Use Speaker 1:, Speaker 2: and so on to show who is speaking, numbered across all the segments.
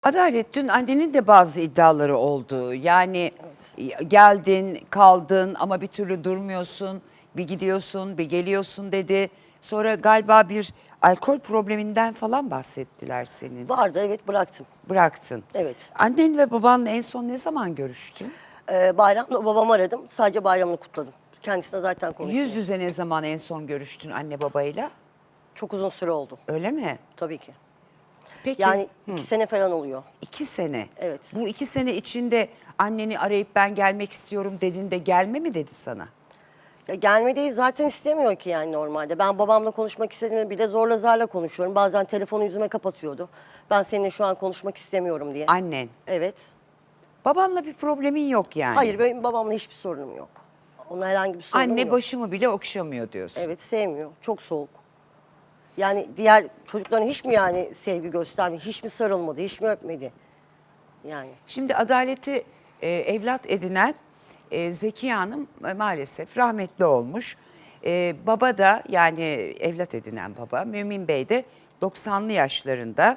Speaker 1: Adalet, dün annenin de bazı iddiaları oldu. Yani geldin, kaldın ama bir türlü durmuyorsun. Bir gidiyorsun, bir geliyorsun dedi. Sonra galiba bir alkol probleminden falan bahsettiler senin.
Speaker 2: Vardı, evet, bıraktım.
Speaker 1: Bıraktın.
Speaker 2: Evet.
Speaker 1: Annen ve babanla en son ne zaman görüştün?
Speaker 2: Bayramda babamı aradım. Sadece bayramını kutladım. Kendisine zaten konuştum.
Speaker 1: Yüz yüze ne zaman en son görüştün anne babayla?
Speaker 2: Çok uzun süre oldu.
Speaker 1: Öyle mi?
Speaker 2: Tabii ki.
Speaker 1: Peki.
Speaker 2: Yani 2 sene falan oluyor.
Speaker 1: 2 sene.
Speaker 2: Evet.
Speaker 1: Bu 2 sene içinde anneni arayıp ben gelmek istiyorum dediğinde gelme mi dedi sana?
Speaker 2: Ya gelmedeyi zaten istemiyor ki yani normalde. Ben babamla konuşmak istediğimde bile zorla zarla konuşuyorum. Bazen telefonu yüzüme kapatıyordu. Ben seninle şu an konuşmak istemiyorum diye.
Speaker 1: Annen.
Speaker 2: Evet.
Speaker 1: Babanla bir problemin yok yani.
Speaker 2: Hayır, benim babamla hiçbir sorunum yok. Onunla herhangi bir sorunum
Speaker 1: Anne
Speaker 2: yok.
Speaker 1: başımı bile okşamıyor diyorsun.
Speaker 2: Evet, sevmiyor. Çok soğuk. Yani diğer çocukların hiç mi yani sevgi göstermedi? Hiç mi sarılmadı? Hiç mi öpmedi? Yani.
Speaker 1: Şimdi Adalet'i evlat edinen Zekiye Hanım maalesef rahmetli olmuş. Baba da yani evlat edinen baba Mümin Bey de 90'lı yaşlarında.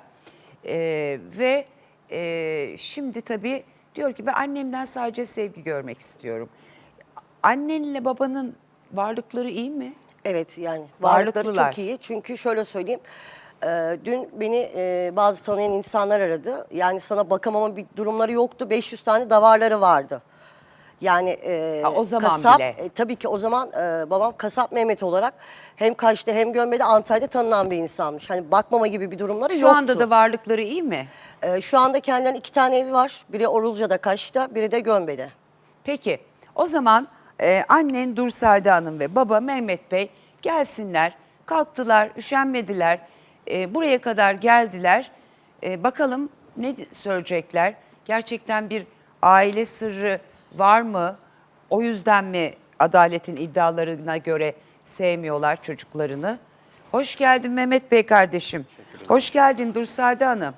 Speaker 1: Ve şimdi tabii diyor ki ben annemden sadece sevgi görmek istiyorum. Annenle babanın varlıkları iyi mi?
Speaker 2: Evet, yani varlıkları
Speaker 1: Varlıklılar.
Speaker 2: çok iyi. Çünkü şöyle söyleyeyim. Dün beni bazı tanıyan insanlar aradı. Yani sana bakamama bir durumları yoktu. 500 tane davarları vardı. Yani
Speaker 1: O zaman
Speaker 2: kasap,
Speaker 1: bile.
Speaker 2: tabii ki o zaman babam kasap Mehmet olarak hem Kaş'ta hem Gömbe'de Antalya'da tanınan bir insanmış. Hani bakmama gibi bir durumları
Speaker 1: Şu
Speaker 2: yoktu.
Speaker 1: anda da varlıkları iyi mi?
Speaker 2: Şu anda kendilerinin 2 tane evi var. Biri Orulca'da Kaş'ta, biri de Gömbe'de.
Speaker 1: Peki o zaman annen Dursade Hanım ve baba Mehmet Bey gelsinler. Kalktılar, üşenmediler. Buraya kadar geldiler. Bakalım ne söyleyecekler? Gerçekten bir aile sırrı var mı? O yüzden mi Adalet'in iddialarına göre sevmiyorlar çocuklarını? Hoş geldin Mehmet Bey kardeşim. Hoş geldin Dursade Hanım.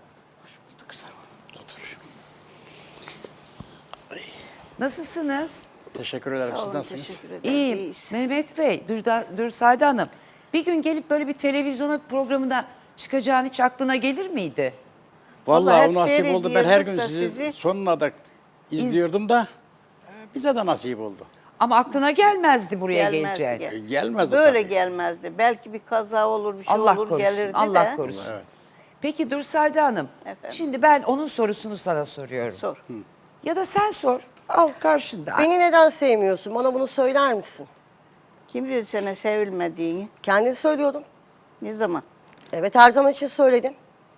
Speaker 1: Nasılsınız?
Speaker 3: Teşekkür ederim. Siz nasılsınız?
Speaker 1: İyiyim. Mehmet Bey, Dursade Hanım. Bir gün gelip böyle bir televizyona programına çıkacağın hiç aklına gelir miydi?
Speaker 3: Vallahi
Speaker 4: Vallahi
Speaker 3: o nasip
Speaker 4: hep
Speaker 3: oldu. Ben her gün
Speaker 4: seyrediyorduk da
Speaker 3: sizi
Speaker 4: sizi.
Speaker 3: sonuna da izliyordum da bize de nasip oldu.
Speaker 1: Ama aklına gelmezdi buraya
Speaker 4: Gelmezdi,
Speaker 1: geleceğin.
Speaker 3: Gelmezdi
Speaker 4: Böyle
Speaker 3: tabii.
Speaker 4: gelmezdi. Belki bir kaza olur, bir şey
Speaker 1: Allah
Speaker 4: olur
Speaker 1: korusun,
Speaker 4: gelirdi
Speaker 1: Allah
Speaker 4: de.
Speaker 1: korusun.
Speaker 3: Evet.
Speaker 1: Peki Dursade Hanım,
Speaker 4: Efendim?
Speaker 1: şimdi ben onun sorusunu sana soruyorum.
Speaker 4: Sor.
Speaker 1: Ya da sen sor, al karşında.
Speaker 2: Beni neden sevmiyorsun? Bana bunu söyler misin?
Speaker 4: Kim dedi sana sevilmediğini?
Speaker 2: Kendin söylüyordun.
Speaker 4: Ne zaman?
Speaker 2: Evet, her zaman için söyledin.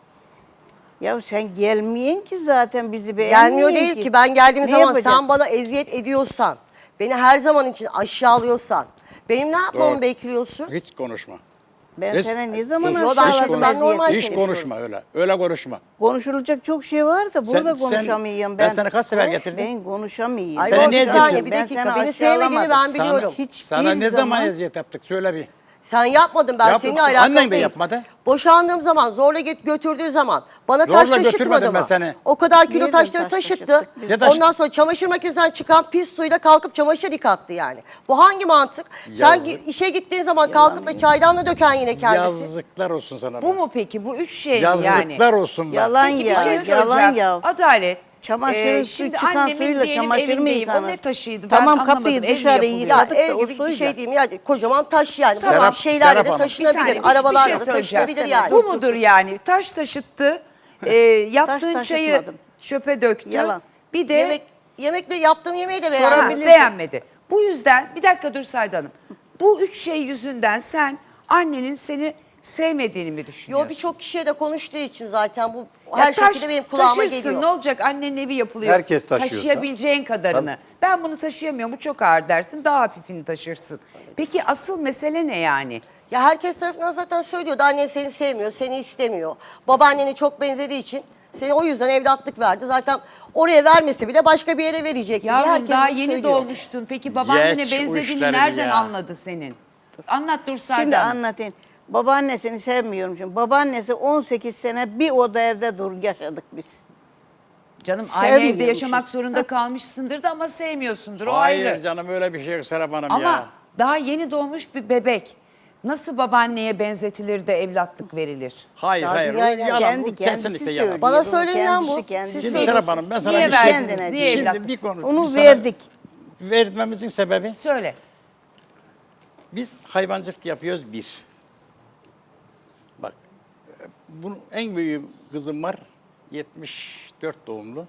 Speaker 4: Ya sen gelmeyen ki zaten bizi beğenmeyen
Speaker 2: Gelmiyor değil ki. Ben geldiğim
Speaker 4: Ne
Speaker 2: zaman
Speaker 4: yapacak?
Speaker 2: sen bana eziyet ediyorsan, beni her zaman için aşağılıyorsan, benim ne yapmamı
Speaker 3: Doğru.
Speaker 2: bekliyorsun?
Speaker 3: Hiç konuşma.
Speaker 4: Ben
Speaker 3: Hiç-
Speaker 4: sana ne zaman
Speaker 2: Yo, ben
Speaker 4: aşağıladım
Speaker 2: ben normal
Speaker 4: eziyet?
Speaker 3: Hiç
Speaker 2: konuşuyorum.
Speaker 3: konuşma öyle. Öyle konuşma.
Speaker 4: Konuşulacak çok şey var da burada
Speaker 3: Sen-
Speaker 4: konuşamıyorum
Speaker 3: ben sana kaç sefer getirdim?
Speaker 4: Ben konuşamıyorum.
Speaker 2: Ay,
Speaker 3: Seni
Speaker 2: o
Speaker 3: niye
Speaker 2: bir saniye,
Speaker 3: eziyet
Speaker 2: bir
Speaker 4: Ben
Speaker 2: dakika.
Speaker 4: seni
Speaker 2: Beni sevmediğini ben
Speaker 4: aşağılamadım.
Speaker 2: biliyorum.
Speaker 4: Hiç
Speaker 3: Sana
Speaker 4: bir
Speaker 3: ne zaman
Speaker 4: zaman-
Speaker 3: eziyet yaptık? Söyle bir.
Speaker 2: Sen yapmadın, ben
Speaker 3: Yap-
Speaker 2: seninle alakalı
Speaker 3: annen de
Speaker 2: değil.
Speaker 3: yapmadı.
Speaker 2: Boşandığım zaman, zorla götürdüğü zaman bana
Speaker 3: Zorla
Speaker 2: taş taşıtmadı
Speaker 3: götürmedim
Speaker 2: mı?
Speaker 3: ben seni.
Speaker 2: O kadar kilo
Speaker 4: Nereden
Speaker 2: taşları
Speaker 4: taş
Speaker 2: taşıttı.
Speaker 4: taşıttık biz?
Speaker 3: Ne taş-
Speaker 2: Ondan sonra çamaşır makinesinden çıkan pis suyla kalkıp çamaşır yıkattı yani. Bu hangi mantık?
Speaker 3: Yazık.
Speaker 2: Sen işe gittiğin zaman kalkıp da çaydanla döken yine kendisi.
Speaker 3: Yazıklar olsun sana.
Speaker 1: Bu mu peki? Bu üç şey mi yani?
Speaker 3: Yazıklar olsun. Bak.
Speaker 4: Yalan
Speaker 1: Peki bir
Speaker 4: ya,
Speaker 1: şey
Speaker 4: yalan
Speaker 1: soracağım.
Speaker 4: ya.
Speaker 1: Adalet.
Speaker 4: Çamaşırın
Speaker 1: şimdi
Speaker 4: çıkan
Speaker 1: annemin
Speaker 4: suyla
Speaker 1: diyelim
Speaker 4: çamaşır mı
Speaker 1: evindeyim.
Speaker 4: yıkanır?
Speaker 1: O ne taşıydı?
Speaker 4: Tamam,
Speaker 1: ben
Speaker 4: kapıyı
Speaker 1: anlamadım. Ev mi
Speaker 4: dışarı
Speaker 1: yapılıyor?
Speaker 2: Ya
Speaker 4: yıkadık da
Speaker 2: ev
Speaker 4: o
Speaker 2: gibi bir
Speaker 4: suyla.
Speaker 2: şey diyeyim ya, kocaman taş yani.
Speaker 3: Serap-
Speaker 2: Tamam, şeylerle
Speaker 3: Serap
Speaker 2: de
Speaker 3: Hanım.
Speaker 1: Bir
Speaker 2: taşınabilir,
Speaker 1: saniye,
Speaker 2: arabalarla
Speaker 1: bir
Speaker 2: da
Speaker 1: şey söyleyeceğim.
Speaker 2: taşınabilir yani.
Speaker 1: Bu mudur yani? Taş taşıttı, yaptığın çayı
Speaker 4: taşıtmadım.
Speaker 1: çöpe döktü.
Speaker 4: Yalan.
Speaker 1: Bir de
Speaker 2: Yemekle yaptığım yemeği de
Speaker 1: Ha,
Speaker 2: beğenmedim.
Speaker 1: beğenmedi. Bu yüzden bir dakika dur Sayda Hanım. Bu üç şey yüzünden sen annenin seni sevmediğini mi düşünüyorsun?
Speaker 2: Yo, birçok kişiye de konuştuğu için zaten bu
Speaker 1: Ya
Speaker 2: her şekilde benim kulağıma
Speaker 1: taşırsın,
Speaker 2: geliyor.
Speaker 1: ne olacak, annenin evi yapılıyor.
Speaker 5: Herkes taşıyorsa.
Speaker 1: Taşıyabileceğin kadarını. Ben bunu taşıyamıyorum, bu çok ağır dersin, daha hafifini taşırsın. Peki asıl mesele ne yani?
Speaker 2: Ya herkes tarafından zaten söylüyordu. Annen seni sevmiyor, seni istemiyor. Babaannene çok benzediği için seni o yüzden evlatlık verdi. Zaten oraya vermese bile başka bir yere verecek diye
Speaker 1: Yavrum
Speaker 2: herkes
Speaker 1: daha
Speaker 2: bunu
Speaker 1: yeni
Speaker 2: söylüyor.
Speaker 1: doğmuştun. Peki babaannene
Speaker 3: Geç o
Speaker 1: benzediğini
Speaker 3: işleri
Speaker 1: nereden
Speaker 3: ya.
Speaker 1: anladı senin? Anlat dur Sayda
Speaker 4: Şimdi
Speaker 1: Hanım.
Speaker 4: anlatayım. Babaannesini sevmiyorum şimdi. Babaannesi 18 sene bir oda evde yaşadık biz.
Speaker 1: Canım aynı evde
Speaker 4: Sevmiyormuşum.
Speaker 1: yaşamak zorunda kalmışsındır da ama sevmiyorsundur, o
Speaker 3: Hayır
Speaker 1: ayrı.
Speaker 3: canım öyle bir şey yok Serap Hanım
Speaker 1: Ama
Speaker 3: ya.
Speaker 1: daha yeni doğmuş bir bebek. Nasıl babaanneye benzetilir de evlatlık verilir?
Speaker 3: Hayır
Speaker 2: Ya
Speaker 3: hayır. O
Speaker 2: dünyayla
Speaker 3: yalan.
Speaker 4: kendi
Speaker 3: Bu
Speaker 4: kendisi
Speaker 3: kesinlikle
Speaker 4: söylüyor.
Speaker 3: yalan.
Speaker 2: Bana
Speaker 4: Bunu
Speaker 2: söylenen bu.
Speaker 4: kendisi
Speaker 2: Siz
Speaker 3: Şimdi
Speaker 2: söyleyin.
Speaker 3: Serap Hanım ben sana
Speaker 1: Niye
Speaker 3: bir şey
Speaker 1: verdiniz? Niye
Speaker 3: Şimdi
Speaker 1: evlatlık?
Speaker 3: bir konu.
Speaker 4: Onu
Speaker 3: biz sana-
Speaker 4: verdik.
Speaker 3: Vermemizin sebebi
Speaker 1: Söyle.
Speaker 3: biz hayvancılık yapıyoruz bir. Bak bunun en büyüğü kızım var. 74 doğumlu.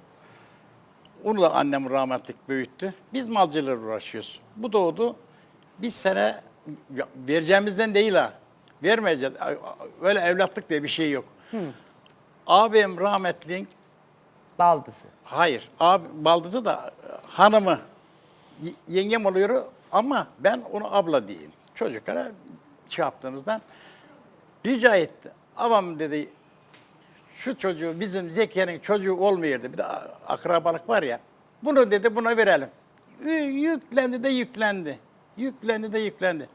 Speaker 3: Onu da annem rahmetlik büyüttü. Biz malcılarla uğraşıyoruz. Bu doğdu. Bir sene vereceğimizden değil ha. Vermeyeceğiz. Öyle evlatlık diye bir şey yok. Abim rahmetliğin
Speaker 1: Baldızı.
Speaker 3: hayır. Abi baldızı da hanımı yengem oluyor ama ben onu abla diyeyim. Çocuklara şey yaptığımızdan rica etti. Babam dedi şu çocuğu bizim Zekiye'nin çocuğu olmuyordu. Bir de akrabalık var ya. Bunu dedi buna verelim. Yüklendi de yüklendi. Yüklendi de yüklendi.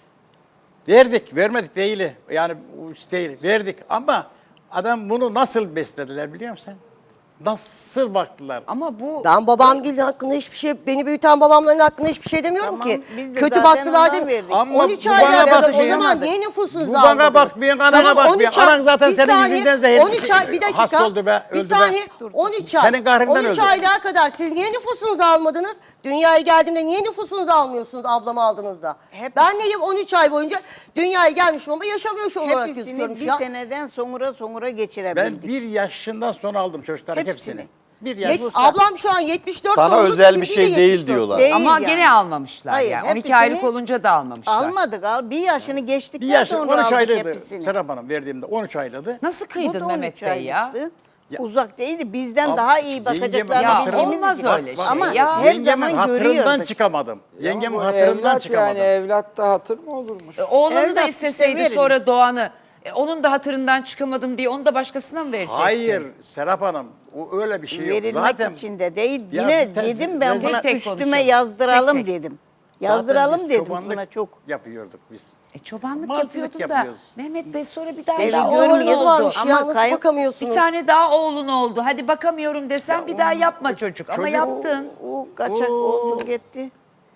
Speaker 3: Verdik, vermedik değil. Yani değil, verdik. Ama adam bunu nasıl beslediler biliyor musun? Nasıl baktılar?
Speaker 1: Ama bu
Speaker 2: Ben babamgilin hakkında hiçbir şey, beni büyüten babamların hakkında hiçbir şey demiyorum
Speaker 4: Tamam,
Speaker 2: ki.
Speaker 4: biz de
Speaker 2: Kötü
Speaker 4: zaten
Speaker 2: baktılar
Speaker 4: ondan
Speaker 2: değil mi?
Speaker 4: verdik.
Speaker 3: Ama
Speaker 2: 13
Speaker 3: bu
Speaker 2: aylık
Speaker 3: bana
Speaker 2: adam o
Speaker 3: bakmıyor.
Speaker 2: zaman niye nüfusunuzu
Speaker 3: Bu bana
Speaker 2: almadınız?
Speaker 3: bakmıyor, anana bakmıyor.
Speaker 2: 13 ay-
Speaker 3: Anan zaten
Speaker 2: bir
Speaker 3: senin
Speaker 2: saniye,
Speaker 3: yüzünden zehirli
Speaker 2: 13 ay, bir dakika.
Speaker 3: hasta oldu be,
Speaker 2: Bir
Speaker 3: öldü be.
Speaker 2: saniye, 13 ay.
Speaker 3: Senin kahrından
Speaker 2: 13
Speaker 3: öldü.
Speaker 2: aylığa kadar siz niye nüfusunuzu almadınız? Dünyaya geldiğimde niye nüfusunuzu almıyorsunuz ablamı aldığınızda? Ben neyim 13 ay boyunca dünyaya gelmişim ama yaşamıyor olarak
Speaker 4: Hepsini
Speaker 2: gözüküyorum
Speaker 4: bir
Speaker 2: şu an.
Speaker 4: seneden sonra
Speaker 3: Ben
Speaker 4: geçirebildik.
Speaker 3: 1 yaşından sonra aldım çocukların hepsini.
Speaker 4: Hepsini.
Speaker 3: Bir yaş.
Speaker 2: Ablam şu an 74
Speaker 5: Sana
Speaker 2: doğumlu,
Speaker 5: özel bir
Speaker 2: sizinki de
Speaker 5: şey değil
Speaker 2: 74.
Speaker 5: diyorlar.
Speaker 4: Değil
Speaker 1: ama
Speaker 4: yani.
Speaker 1: gene almamışlar
Speaker 4: Hayır,
Speaker 1: yani. 12
Speaker 4: hepsini
Speaker 1: aylık olunca da almamışlar.
Speaker 4: Almadık. Bir yaşını geçtikten
Speaker 3: Bir yaş,
Speaker 4: sonra
Speaker 3: 13
Speaker 4: aldık
Speaker 3: aylıydı
Speaker 4: hepsini.
Speaker 3: Serap Hanım verdiğimde 13 aylıydı.
Speaker 1: Nasıl
Speaker 4: Bu
Speaker 1: kıydın
Speaker 4: da
Speaker 1: Mehmet
Speaker 4: 13
Speaker 1: Bey ya?
Speaker 4: aylıktı.
Speaker 3: Ya-
Speaker 4: Uzak değildi. Bizden
Speaker 3: Ab-
Speaker 4: daha iyi
Speaker 3: yengemin
Speaker 4: bakacaklarını
Speaker 1: Ya
Speaker 4: bildiğimiz
Speaker 1: olmaz
Speaker 4: için.
Speaker 1: öyle şey
Speaker 4: Ama
Speaker 1: ya.
Speaker 4: her
Speaker 3: Yengemin
Speaker 4: zaman
Speaker 3: hatırından
Speaker 4: görüyorduk.
Speaker 3: çıkamadım. Yengemin
Speaker 6: Bu
Speaker 3: hatırından
Speaker 6: evlat
Speaker 3: çıkamadım.
Speaker 6: yani evlatta hatır mı olurmuş?
Speaker 1: Oğlanı da
Speaker 4: Evlat
Speaker 1: isteseydi
Speaker 4: işte verin.
Speaker 1: sonra Doğan'ı. Onun da hatırından çıkamadım diye onu da başkasına mı verecektin?
Speaker 3: Hayır Serap Hanım o öyle bir şey yok.
Speaker 4: Verilmek
Speaker 3: Zaten
Speaker 4: için de değil.
Speaker 3: Ya
Speaker 4: Yine
Speaker 3: bir tane-
Speaker 4: dedim ben
Speaker 3: Tek
Speaker 4: buna
Speaker 1: tek
Speaker 4: üstüme
Speaker 1: konuşalım.
Speaker 4: yazdıralım
Speaker 1: Tek tek.
Speaker 4: dedim.
Speaker 3: zaten
Speaker 4: Yazdıralım
Speaker 3: biz
Speaker 4: dedim
Speaker 3: çobanlık
Speaker 4: buna çok.
Speaker 3: yapıyorduk biz.
Speaker 1: Çobanlık
Speaker 3: Malcılık
Speaker 1: yapıyordun
Speaker 3: yapıyoruz.
Speaker 1: da Mehmet Bey sonra bir daha
Speaker 4: Evet,
Speaker 1: daha
Speaker 4: görmüyoruz
Speaker 1: oğlun
Speaker 2: Oğlunuz
Speaker 1: oldu.
Speaker 2: varmış
Speaker 4: Ama
Speaker 2: ya nasıl
Speaker 4: kayıp-
Speaker 2: bakamıyorsunuz?
Speaker 1: Bir tane daha oğlun oldu. Hadi bakamıyorum desen bir daha yapma çocuk. Ama
Speaker 3: Çocuk-
Speaker 1: yaptın.
Speaker 4: O kaçak oldu gitti.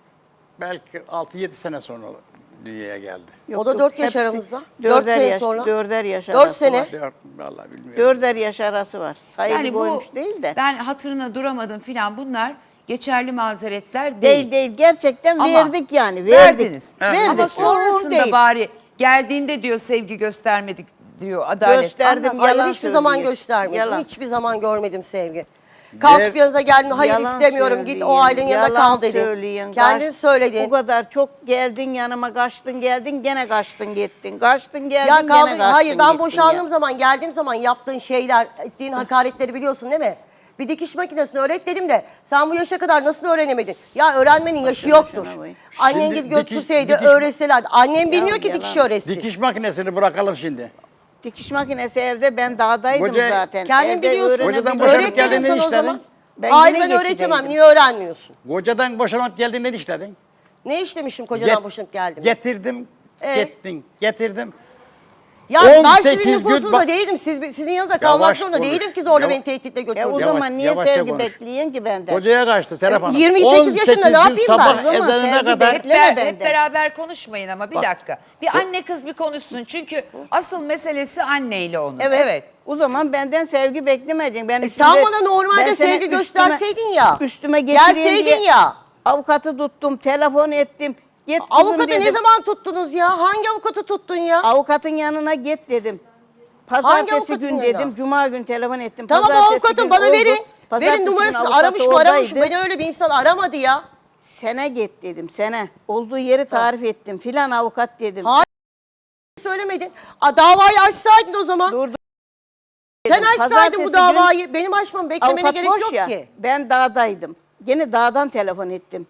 Speaker 3: Belki 6-7 sene sonra dünyaya geldi.
Speaker 2: O da 4 yaş
Speaker 4: hepsi
Speaker 2: aramızda. 4
Speaker 4: Dörder
Speaker 2: sene
Speaker 4: yaş,
Speaker 2: sonra.
Speaker 4: dörder yaş
Speaker 2: 4
Speaker 4: arası
Speaker 2: sene.
Speaker 4: var.
Speaker 3: Vallahi bilmiyorum.
Speaker 4: Dörder yaş arası var. Sayılı
Speaker 1: Yani bu
Speaker 4: boymuş değil de.
Speaker 1: ben hatırına duramadım filan bunlar geçerli mazeretler değil.
Speaker 4: Değil gerçekten
Speaker 1: Ama
Speaker 4: verdik yani verdik.
Speaker 1: Verdiniz.
Speaker 4: Verdik.
Speaker 1: Ama
Speaker 4: O
Speaker 1: sonrasında
Speaker 4: değil.
Speaker 1: bari geldiğinde diyor sevgi göstermedik diyor adalet.
Speaker 4: Gösterdim.
Speaker 1: Ama-
Speaker 2: Hayır
Speaker 4: Yalan
Speaker 2: hiçbir zaman
Speaker 4: söylüyor.
Speaker 2: göstermedim.
Speaker 4: Yalan.
Speaker 2: Hiçbir zaman görmedim sevgi. Kalkıp yanınıza geldim hayır
Speaker 4: Yalan
Speaker 2: istemiyorum git o
Speaker 4: söyleyin,
Speaker 2: ailenin yanında
Speaker 4: yalan
Speaker 2: kal dedin.
Speaker 4: söyleyin.
Speaker 2: Kendin söyledin.
Speaker 4: O kadar çok geldin yanıma kaçtın geldin gene kaçtın gittin. Kaçtın geldin
Speaker 2: Ya
Speaker 4: gene
Speaker 2: kaldı,
Speaker 4: kaçtın
Speaker 2: hayır ben
Speaker 4: gittin
Speaker 2: boşandığım
Speaker 4: ya.
Speaker 2: zaman geldiğim zaman yaptığın şeyler, ettiğin hakaretleri biliyorsun değil mi? Bir dikiş makinesini öğret dedim de sen bu yaşa kadar nasıl öğrenemedin? Ya öğrenmenin yaşı
Speaker 4: Başına
Speaker 2: yoktur.
Speaker 4: şuna koy.
Speaker 2: Annen
Speaker 3: Şimdi
Speaker 2: gidip götürseydi
Speaker 3: dikiş-
Speaker 2: öğretselerdi. Annem bilmiyor ki
Speaker 4: yalan.
Speaker 2: dikiş öğretsin.
Speaker 3: Dikiş makinesini bırakalım şimdi.
Speaker 4: Dikiş makinesi evde ben dağdaydım
Speaker 3: Koca-
Speaker 4: zaten.
Speaker 2: Kendin
Speaker 4: Evde
Speaker 2: biliyorsun.
Speaker 4: öğrenebildim.
Speaker 3: Kocadan boşanıp
Speaker 2: Öğret dedim
Speaker 3: geldiğinde
Speaker 2: sana o
Speaker 3: işledin.
Speaker 2: zaman.
Speaker 4: Ben
Speaker 2: Hayır
Speaker 4: yine
Speaker 2: ben öğretemem.
Speaker 4: geçideydim.
Speaker 2: Niye öğrenmiyorsun?
Speaker 3: Kocadan boşanıp geldiğinde ne işledin?
Speaker 2: Ne işlemişim kocadan
Speaker 3: Get-
Speaker 2: boşanıp geldim?
Speaker 3: Getirdim, gittin, getirdim.
Speaker 2: Ya ben
Speaker 3: 18
Speaker 2: sizin
Speaker 3: gün
Speaker 2: nüfusunuzda
Speaker 3: bak-
Speaker 2: değilim. Sizin yanınızda kalmak
Speaker 3: Yavaş
Speaker 2: zorunda
Speaker 3: konuş.
Speaker 2: değilim ki zorla
Speaker 3: Yavaş-
Speaker 2: beni tehditle
Speaker 4: O
Speaker 2: götürün.
Speaker 3: Yavaş,
Speaker 4: zaman niye
Speaker 3: yavaşça
Speaker 4: sevgi
Speaker 3: konuş.
Speaker 4: bekleyin ki benden?
Speaker 3: Kocaya kaçtı Serap Hanım.
Speaker 2: 28 yaşında ne
Speaker 3: 18 gün
Speaker 2: yapayım ben?
Speaker 3: sabah
Speaker 4: O zaman
Speaker 3: ezanına
Speaker 4: sevgi
Speaker 3: kadar
Speaker 1: Hep,
Speaker 4: Bekleme
Speaker 1: hep
Speaker 4: benden.
Speaker 1: beraber konuşmayın ama bir
Speaker 3: Bak.
Speaker 1: dakika. Bir anne kız bir konuşsun. Çünkü asıl meselesi anneyle onun.
Speaker 4: Evet. O zaman benden sevgi beklemeyeceksin. Ben
Speaker 2: Sen
Speaker 4: üstümde-
Speaker 2: bana normalde
Speaker 4: ben seni
Speaker 2: sevgi gösterseydin ya.
Speaker 4: Üstüme getireyim
Speaker 2: Gelseydin
Speaker 4: diye
Speaker 2: ya.
Speaker 4: avukatı tuttum, telefon ettim. Git kızım
Speaker 2: Avukatı
Speaker 4: dedim.
Speaker 2: ne zaman tuttunuz ya? Hangi avukatı tuttun ya?
Speaker 4: Avukatın yanına git dedim.
Speaker 2: Hangi
Speaker 4: Pazartesi
Speaker 2: avukatın
Speaker 4: gün
Speaker 2: yanına?
Speaker 4: dedim, cuma gün telefon ettim.
Speaker 2: Tamam o
Speaker 4: Pazartesi
Speaker 2: avukatın
Speaker 4: gün
Speaker 2: bana
Speaker 4: oldu.
Speaker 2: verin.
Speaker 4: Pazartesi
Speaker 2: Verin
Speaker 4: gün
Speaker 2: numarasını
Speaker 4: avukat
Speaker 2: aramış mı aramamış mı?
Speaker 4: oradaydı.
Speaker 2: Beni öyle bir insan aramadı ya.
Speaker 4: Sene git dedim, sene. Olduğu yeri tarif ettim. Filan avukat dedim.
Speaker 2: Hayır. Söylemedin. Davayı açsaydın o zaman.
Speaker 4: Dur, dur
Speaker 2: Sen
Speaker 4: dedim.
Speaker 2: açsaydın
Speaker 4: Pazartesi
Speaker 2: bu
Speaker 4: gün
Speaker 2: davayı. Benim açmamı beklemene
Speaker 4: avukat
Speaker 2: gerek
Speaker 4: boş
Speaker 2: yok
Speaker 4: ya.
Speaker 2: ki.
Speaker 4: Ben dağdaydım. Gene dağdan telefon ettim.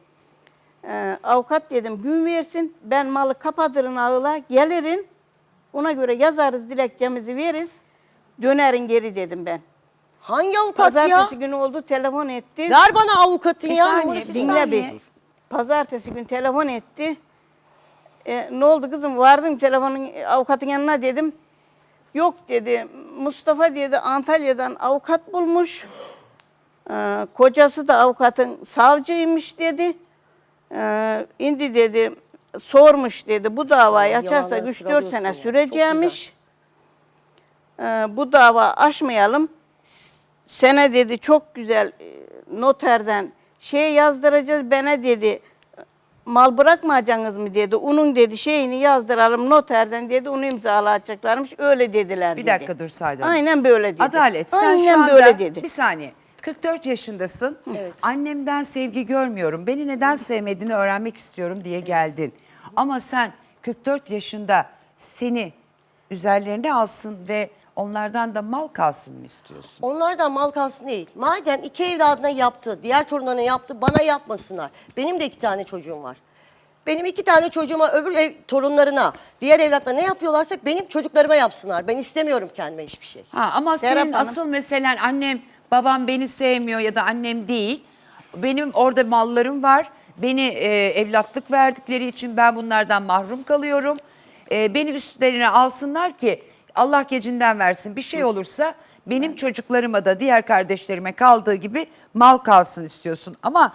Speaker 4: Avukat dedim gün versin. Ben malı kapatırın ağıla gelirin. Ona göre yazarız dilekçemizi veririz. Dönerin geri dedim ben.
Speaker 2: Hangi avukat ya?
Speaker 4: Pazartesi günü oldu telefon etti.
Speaker 2: Ver bana avukatın
Speaker 1: Bir
Speaker 2: ya.
Speaker 1: saniye,
Speaker 2: numarasını.
Speaker 1: bir
Speaker 4: Dinle
Speaker 1: saniye.
Speaker 4: bir. Pazartesi gün telefon etti. Ne oldu kızım vardım telefonun avukatın yanına dedim. Yok dedi Mustafa dedi Antalya'dan avukat bulmuş. Kocası da avukatın savcıymış dedi. İndi dedi sormuş dedi. Bu davayı
Speaker 2: Yalanları
Speaker 4: açarsak 3-4
Speaker 2: sıralıyorsun
Speaker 4: sene
Speaker 2: ya.
Speaker 4: süreceğimiş. Bu dava aşmayalım. Sene dedi çok güzel noterden şey yazdıracağız. Bana dedi mal bırakmayacaksınız mı dedi. Onun dedi şeyini yazdıralım noterden dedi. Onu imzalayacaklarmış. Öyle dediler
Speaker 1: Bir
Speaker 4: dedi.
Speaker 1: dakika dur Saadet Hanım.
Speaker 4: Aynen böyle dedi.
Speaker 1: Adalet sen
Speaker 4: Aynen
Speaker 1: şu anda
Speaker 4: böyle dedi.
Speaker 1: bir saniye 44 yaşındasın. Annemden sevgi görmüyorum. Beni neden sevmediğini öğrenmek istiyorum diye geldin. Ama sen 44 yaşında seni üzerlerine alsın ve onlardan da mal kalsın mı istiyorsun?
Speaker 2: Onlardan mal kalsın değil. Madem iki evladına yaptı, diğer torunlarına yaptı, bana yapmasınlar. Benim de 2 tane çocuğum var. Benim 2 tane çocuğuma, öbür torunlarına, diğer evlatlarına ne yapıyorlarsa benim çocuklarıma yapsınlar. Ben istemiyorum kendime hiçbir şey.
Speaker 1: Ha, ama
Speaker 4: Serap
Speaker 1: senin
Speaker 4: Hanım.
Speaker 1: asıl meselen annem babam beni sevmiyor ya da annem değil. Benim orada mallarım var. Beni evlatlık verdikleri için ben bunlardan mahrum kalıyorum. Beni üstlerine alsınlar ki Allah gecinden versin bir şey olursa benim çocuklarıma da diğer kardeşlerime kaldığı gibi mal kalsın istiyorsun. Ama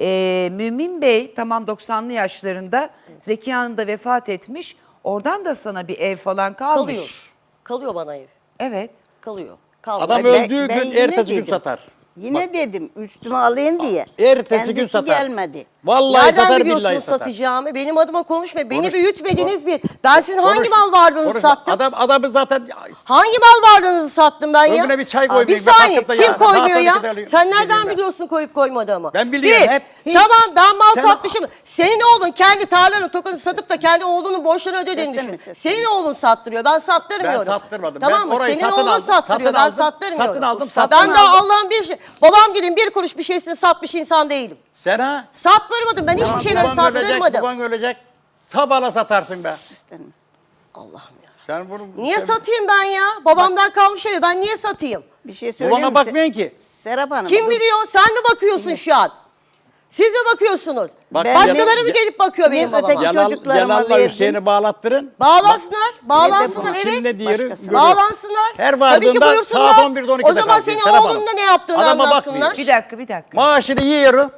Speaker 1: Mümin Bey tamam 90'lı yaşlarında, Zeki Hanım da vefat etmiş. Oradan da sana bir ev falan kalmış.
Speaker 2: Kalıyor. Kalıyor bana ev.
Speaker 1: Evet.
Speaker 2: Kalıyor. Kalıyor.
Speaker 3: Adam
Speaker 4: Ben-
Speaker 3: öldüğü
Speaker 4: ben
Speaker 3: gün
Speaker 4: yine
Speaker 3: ertesi gün
Speaker 4: dedim.
Speaker 3: satar.
Speaker 4: Yine dedim üstüme alayım diye.
Speaker 3: Ertesi gün
Speaker 4: Kendisi
Speaker 3: satar.
Speaker 4: gelmedi.
Speaker 3: Vallahi
Speaker 2: Nereden
Speaker 3: satar
Speaker 2: biliyorsunuz
Speaker 3: billahi satar.
Speaker 2: satacağımı? Benim adıma konuşma. Beni
Speaker 3: Konuş-
Speaker 2: büyütmediniz bir. Ben sizin hangi
Speaker 3: Konuş-
Speaker 2: mal varlığınızı
Speaker 3: konuşma.
Speaker 2: sattım?
Speaker 3: Adamı zaten
Speaker 2: Hangi mal varlığınızı sattım ben ya?
Speaker 3: Önüne bir çay
Speaker 2: Aa,
Speaker 3: koymayayım.
Speaker 2: Bir
Speaker 3: Ben
Speaker 2: saniye.
Speaker 3: kalkıp da
Speaker 2: Kim
Speaker 3: ya,
Speaker 2: koymuyor
Speaker 3: saat
Speaker 2: ya?
Speaker 3: 12'de alıyorum.
Speaker 2: Sen nereden
Speaker 3: Bilmiyorum ben.
Speaker 2: biliyorsun koyup koymadığımı?
Speaker 3: Ben biliyorum,
Speaker 2: Bir,
Speaker 3: hep. Hiç.
Speaker 2: tamam ben mal
Speaker 3: Sen-
Speaker 2: satmışım. Senin oğlun kendi tarlanı tokanı satıp da kendi oğlunun borçlarını ödediğini
Speaker 4: Seslenme,
Speaker 2: düşün.
Speaker 4: seslenme.
Speaker 2: Senin oğlun sattırıyor. Ben sattırmıyorum.
Speaker 3: Ben sattırmadım.
Speaker 2: Tamam
Speaker 3: Ben
Speaker 2: mı?
Speaker 3: orayı
Speaker 2: Senin
Speaker 3: satın
Speaker 2: oğlun
Speaker 3: aldım,
Speaker 2: sattırıyor.
Speaker 3: satın
Speaker 2: Ben
Speaker 3: aldım,
Speaker 2: sattırmıyorum.
Speaker 3: satın aldım,
Speaker 2: Ben
Speaker 3: satın
Speaker 2: daha
Speaker 3: aldım.
Speaker 2: Allah'ın bir şey. Babam gidin bir kuruş bir şeysini satmış insan değilim.
Speaker 3: Sen ha?
Speaker 2: Sattırmadım. Ben hiçbir şeyleri
Speaker 3: Baban ölecek,
Speaker 2: sattırmadım.
Speaker 3: baban ölecek. Sabahla satarsın be.
Speaker 2: Allah'ım ya.
Speaker 3: Sen bunu...
Speaker 2: Niye
Speaker 3: sen-
Speaker 2: satayım ben ya? Babamdan kalmış evi. Ben niye satayım?
Speaker 4: Bir şey söyleyeyim
Speaker 3: Babana
Speaker 4: mi?
Speaker 3: bakmıyorsun ki.
Speaker 4: Serap Hanım.
Speaker 2: Kim
Speaker 4: dur.
Speaker 2: biliyor? Sen mi bakıyorsun şu an? Siz mi bakıyorsunuz?
Speaker 3: Bak,
Speaker 2: Başkaları mı
Speaker 3: ya-
Speaker 2: gelip bakıyor benim
Speaker 4: öteki
Speaker 2: babama?
Speaker 4: Celal- çocuklarıma
Speaker 3: Celal'la
Speaker 4: verdim.
Speaker 3: Hüseyin'i bağlattırın.
Speaker 2: Bağlansınlar. Bağlansınlar
Speaker 4: Bak,
Speaker 2: evet.
Speaker 3: Şimdi diğeri
Speaker 4: Başkası.
Speaker 3: görüyor.
Speaker 2: Bağlansınlar.
Speaker 3: Her
Speaker 2: Tabii ki
Speaker 3: vardığında
Speaker 2: buyursunlar.
Speaker 3: saat 11'de 12'de
Speaker 2: O zaman
Speaker 3: kalkıyor.
Speaker 2: senin
Speaker 3: Serap
Speaker 2: oğlunun
Speaker 3: Hanım.
Speaker 2: da ne yaptığını
Speaker 3: Adama
Speaker 2: anlatsınlar.
Speaker 3: bakmıyor.
Speaker 1: Bir dakika.
Speaker 3: Maaşını yiyorum.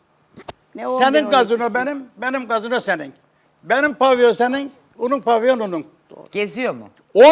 Speaker 4: Ne oldu
Speaker 3: Senin
Speaker 4: onun
Speaker 3: gazino
Speaker 4: ikisi?
Speaker 3: benim gazino senin. Benim pavyon senin, onun pavyon onun.
Speaker 1: Geziyor mu?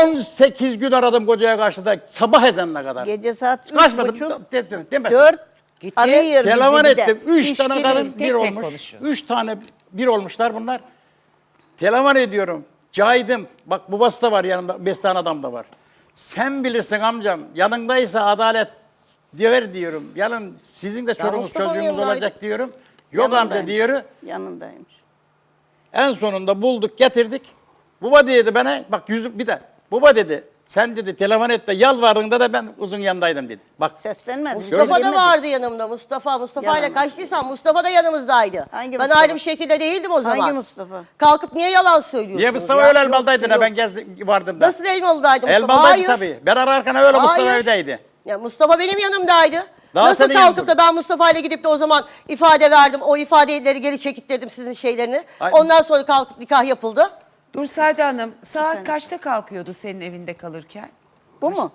Speaker 3: 18 gün aradım kocaya karşı da sabah edene kadar.
Speaker 4: Gece saat
Speaker 3: Kaçmadım.
Speaker 4: 3:30,
Speaker 3: Demesin.
Speaker 4: 4
Speaker 2: Gitti.
Speaker 4: arıyor
Speaker 3: Telefon
Speaker 4: bizi bir de.
Speaker 3: ettim. 3
Speaker 4: İş
Speaker 3: tane
Speaker 4: gibi.
Speaker 3: kadın
Speaker 1: tek
Speaker 3: bir
Speaker 1: tek
Speaker 3: olmuş.
Speaker 1: konuşuyor.
Speaker 3: 3 tane bir olmuşlar bunlar. Telefon ediyorum. Cahit'im. Bak babası da var yanımda. 5 tane adam da var. Sen bilirsin amcam. Yanındaysa adalet diyor diyorum. Yarın sizin de çoluğunuz
Speaker 2: Mustafa'nın
Speaker 3: çocuğunuz
Speaker 2: yanındaydı.
Speaker 3: olacak diyorum. Yok amca
Speaker 4: Yanındaymış.
Speaker 3: diyor.
Speaker 4: Yanındaymış.
Speaker 3: En sonunda bulduk getirdik. Baba dedi bana bak yüzük bir de. Baba dedi sen dedi telefon et de yalvardığında da ben uzun yanındaydım dedi. Bak
Speaker 4: Seslenmedi.
Speaker 2: Mustafa da
Speaker 4: söylemedi.
Speaker 2: vardı yanımda. Mustafa ile
Speaker 4: Yalan.
Speaker 2: kaçtıysam Mustafa da yanımızdaydı.
Speaker 4: Hangi
Speaker 2: ben
Speaker 4: Mustafa?
Speaker 2: ayrı bir şekilde değildim o zaman.
Speaker 4: Hangi Mustafa?
Speaker 2: Kalkıp niye yalan söylüyorsunuz?
Speaker 3: niye Mustafa
Speaker 2: ya?
Speaker 3: öyle
Speaker 2: Yok,
Speaker 3: Elmalı'daydı ne
Speaker 2: yok.
Speaker 3: ben gezdim vardım da.
Speaker 2: Nasıl Elmalı'daydı Mustafa?
Speaker 3: Elmalı'daydı
Speaker 2: Hayır.
Speaker 3: tabii. Ben ararken öyle Mustafa
Speaker 2: Hayır.
Speaker 3: evdeydi.
Speaker 2: Ya Mustafa benim yanımdaydı.
Speaker 3: Daha
Speaker 2: Nasıl
Speaker 3: senin
Speaker 2: kalkıp
Speaker 3: yanında.
Speaker 2: da ben Mustafa ile gidip de o zaman ifade verdim. O ifadeleri geri çekittirdim sizin şeylerini.
Speaker 3: Ay-
Speaker 2: Ondan sonra kalkıp nikah yapıldı.
Speaker 1: Dur Sade Hanım saat kaçta kalkıyordu senin evinde kalırken?
Speaker 4: Bu mu?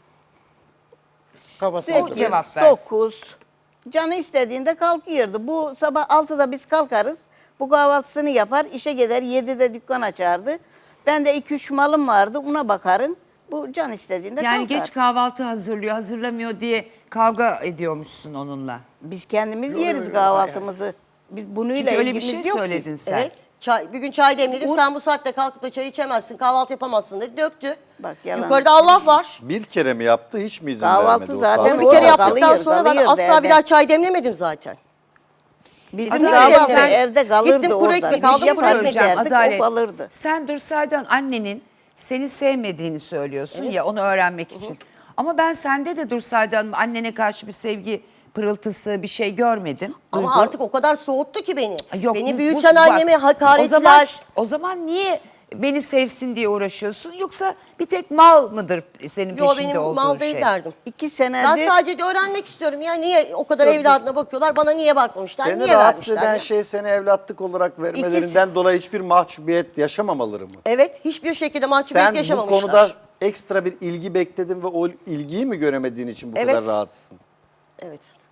Speaker 3: Kafası
Speaker 1: O
Speaker 3: hazır.
Speaker 1: cevap versin.
Speaker 4: 9. Canı istediğinde kalkıyordu. Bu sabah 6'da biz kalkarız. Bu kahvaltısını yapar, işe gider. 7'de dükkan açardı. Ben de 2-3 malım vardı, ona bakarım. Bu can istediğinde
Speaker 1: Yani
Speaker 4: kalkar.
Speaker 1: geç kahvaltı hazırlamıyor diye kavga ediyormuşsun onunla.
Speaker 4: Biz kendimiz yeriz kahvaltımızı. Biz bununla
Speaker 1: Çünkü öyle bir
Speaker 4: ilgimiz
Speaker 1: şey
Speaker 4: yok ki.
Speaker 1: söyledin sen.
Speaker 2: Evet. Bir gün çay demledim. Sen bu saatte kalkıp da çay içemezsin, kahvaltı yapamazsın dedi. Döktü.
Speaker 4: Bak, yalan.
Speaker 2: Yukarıda Allah var.
Speaker 6: Bir kere mi yaptı hiç mi izin
Speaker 4: Kahvaltı
Speaker 6: vermedi o
Speaker 4: zaten
Speaker 6: saatte?
Speaker 2: Onu bir kere
Speaker 4: Orada
Speaker 2: yaptıktan
Speaker 4: kalıyor,
Speaker 2: sonra ben
Speaker 4: kalıyor
Speaker 2: asla
Speaker 4: evde.
Speaker 2: bir daha çay demlemedim zaten.
Speaker 4: Bizim
Speaker 1: Adalet,
Speaker 4: kahvaltı
Speaker 1: sen-
Speaker 4: evde kalırdı
Speaker 2: Gittim kuru
Speaker 4: orada.
Speaker 2: ekmek
Speaker 4: Bir
Speaker 2: aldım,
Speaker 4: şey
Speaker 2: kuru ekmek
Speaker 4: fark
Speaker 1: Söyleyeceğim,
Speaker 4: ederdik,
Speaker 1: Adalet.
Speaker 4: o kalırdı.
Speaker 1: Sen dur Sade annenin seni sevmediğini söylüyorsun ya onu öğrenmek için. Ama ben sende de dur Sade Hanım annene karşı bir sevgi pırıltısı bir şey görmedim.
Speaker 2: Ama
Speaker 1: Duygu.
Speaker 2: artık o kadar soğuttu ki beni.
Speaker 1: Yok,
Speaker 2: beni
Speaker 1: bu-
Speaker 2: büyüten
Speaker 1: bak,
Speaker 2: anneme hakaretler.
Speaker 1: O zaman niye beni sevsin diye uğraşıyorsun? Yoksa bir tek mal mıdır senin
Speaker 2: Yo
Speaker 1: peşinde
Speaker 2: benim
Speaker 1: olduğun
Speaker 2: mal değil
Speaker 1: şey?
Speaker 2: derdim.
Speaker 4: 2
Speaker 2: Ben
Speaker 4: senedir
Speaker 2: sadece öğrenmek istiyorum ya niye o kadar evladına bakıyorlar bana niye bakmamışlar
Speaker 6: Seni
Speaker 2: niye
Speaker 6: rahatsız
Speaker 2: vermişler
Speaker 6: eden
Speaker 2: ya?
Speaker 6: şey seni evlatlık olarak vermelerinden dolayı hiçbir mahcubiyet yaşamamaları mı?
Speaker 2: Evet hiçbir şekilde mahcubiyet
Speaker 6: Sen bu
Speaker 2: yaşamamışlar.
Speaker 6: konuda ekstra bir ilgi bekledin ve o ilgiyi mi göremediğin için bu
Speaker 2: Evet.
Speaker 6: kadar rahatsızsın?
Speaker 2: Evet.